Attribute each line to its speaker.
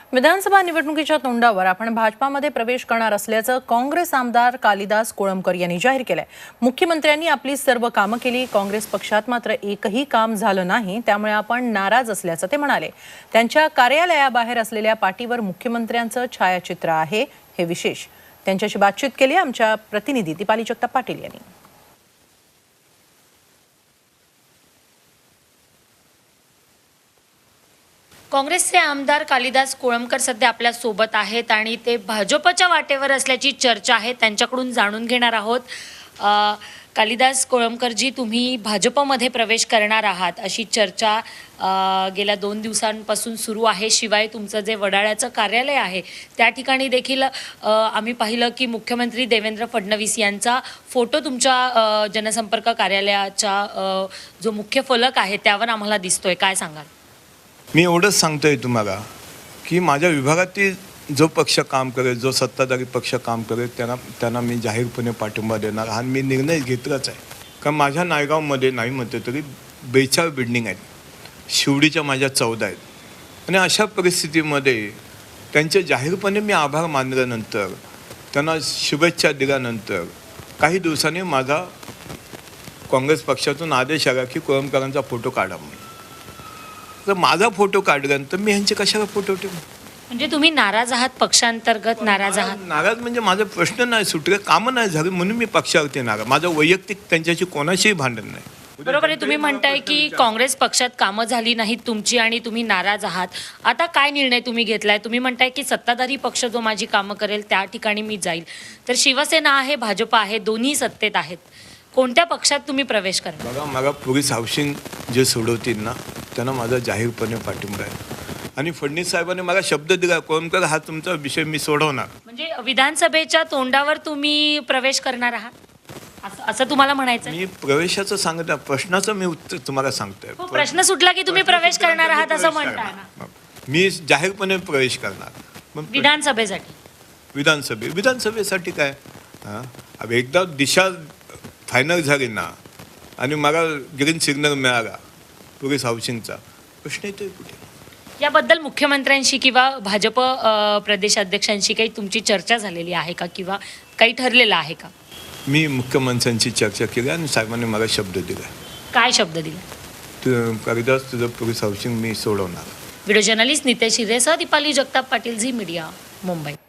Speaker 1: विधानसभा निवडणुकीच्या तोंडावर आपण भाजपामध्ये प्रवेश करणार असल्याचं काँग्रेस आमदार कालिदास कोळंबकर यांनी जाहीर केलंय। मुख्यमंत्र्यांनी आपली सर्व कामं केली, काँग्रेस पक्षात मात्र एकही काम झालं नाही, त्यामुळे आपण नाराज असल्याचं ते म्हणाले। त्यांच्या कार्यालयाबाहेर असलेल्या पाटीवर मुख्यमंत्र्यांचं छायाचित्र आहे, हे विशेष। त्यांच्याशी बातचीत केली आमच्या प्रतिनिधी दीपाली जगताप पाटील यांनी।
Speaker 2: काँग्रेसचे आमदार कालिदास कोळंबकर सध्या आपल्या सोबत आहेत आणि ते भाजपच्या वाटेवर असल्याची चर्चा आहे, त्यांच्याकडून जाणून घेणार आहोत। कालिदास कोळंबकरजी, तुम्ही भाजपमध्ये प्रवेश करणार आहात अशी चर्चा गेल्या 2 दिवसांपासून सुरू आहे। शिवाय तुमचं जे वडाळ्याचं कार्यालय आहे त्या ठिकाणी देखील आम्ही पाहिलं की मुख्यमंत्री देवेंद्र फडणवीस यांचा फोटो तुमच्या जनसंपर्क कार्यालयाचा जो मुख्य फलक आहे त्यावर आम्हाला दिसतोय, काय सांगाल?
Speaker 3: मी एवढंच सांगतोय तुम्हाला की माझ्या विभागातील जो पक्ष काम करेल, जो सत्ताधारी पक्ष काम करेल त्यांना मी जाहीरपणे पाठिंबा देणार हा मी निर्णय घेतलाच आहे। कारण माझ्या नायगावमध्ये नाही म्हणते तरी 42 बिल्डिंग आहेत, शिवडीच्या माझ्या 14 आहेत आणि अशा परिस्थितीमध्ये त्यांचे जाहीरपणे मी आभार मानल्यानंतर, त्यांना शुभेच्छा दिल्यानंतर काही दिवसांनी माझा काँग्रेस पक्षातून आदेश आला की कोळंबकरांचा फोटो काढा म्हणून। तर माझा फोटो काढल्यानंतर मी ह्यांचे कशाला फोटो ठेवू?
Speaker 2: म्हणजे तुम्ही नाराज आहात, पक्षांतर्गत नाराज आहात?
Speaker 3: नाराज म्हणजे माझा प्रश्न नाही सुटले, कामं नाही झाले म्हणून मी पक्षावरती नाराज। माझं वैयक्तिक त्यांच्याशी कोणाशीही भांडण नाही।
Speaker 2: बरोबर आहे, तुम्ही म्हणताय की काँग्रेस पक्षात कामं झाली नाहीत तुमची आणि तुम्ही नाराज आहात। आता काय निर्णय तुम्ही घेतलाय? तुम्ही म्हणताय की सत्ताधारी पक्ष जो माझी कामं करेल त्या ठिकाणी मी जाईल, तर शिवसेना आहे, भाजप आहे, दोन्ही सत्तेत आहेत, कोणत्या पक्षात तुम्ही प्रवेश करा?
Speaker 3: बघा, मला पोलीस हाऊसिंग जे सोडवतील ना त्यांना माझा जाहीरपणे पाठिंबा आहे आणि फडणवीस साहेबांनी मला शब्द दिला कोळंबकर हा तुमचा विषय मी सोडवणार।
Speaker 2: म्हणजे विधानसभेच्या तोंडावर तुम्ही प्रवेश करणार आहात असं तुम्हाला म्हणायचं?
Speaker 3: मी प्रवेशाचं सांगत आहे, प्रश्नाचं मी उत्तर तुम्हाला सांगतोय।
Speaker 2: प्रश्न सुटला की तुम्ही प्रवेश करणार आहात असं म्हणताय ना?
Speaker 3: मी जाहीरपणे प्रवेश करणार विधानसभेसाठी काय हां, एकदा दिशा फायनल झाली ना आणि मला ग्रीन सिग्नल मिळाला पोलीस हाऊसिंगचा, प्रश्न येतोय कुठे?
Speaker 2: याबद्दल मुख्यमंत्र्यांशी किंवा भाजप प्रदेशाध्यक्षांशी काही तुमची चर्चा झालेली आहे का किंवा काही ठरलेलं आहे का?
Speaker 3: मी मुख्यमंत्र्यांशी चर्चा केली आणि साहेबांनी मला शब्द दिला।
Speaker 2: काय शब्द दिला?
Speaker 3: कालिदास तुझं पोलीस हाऊसिंग मी सोडवणार।
Speaker 2: व्हिडिओ जर्नलिस्ट नितेश हिरेसह दीपाली जगताप पाटील, झी मीडिया, मुंबई।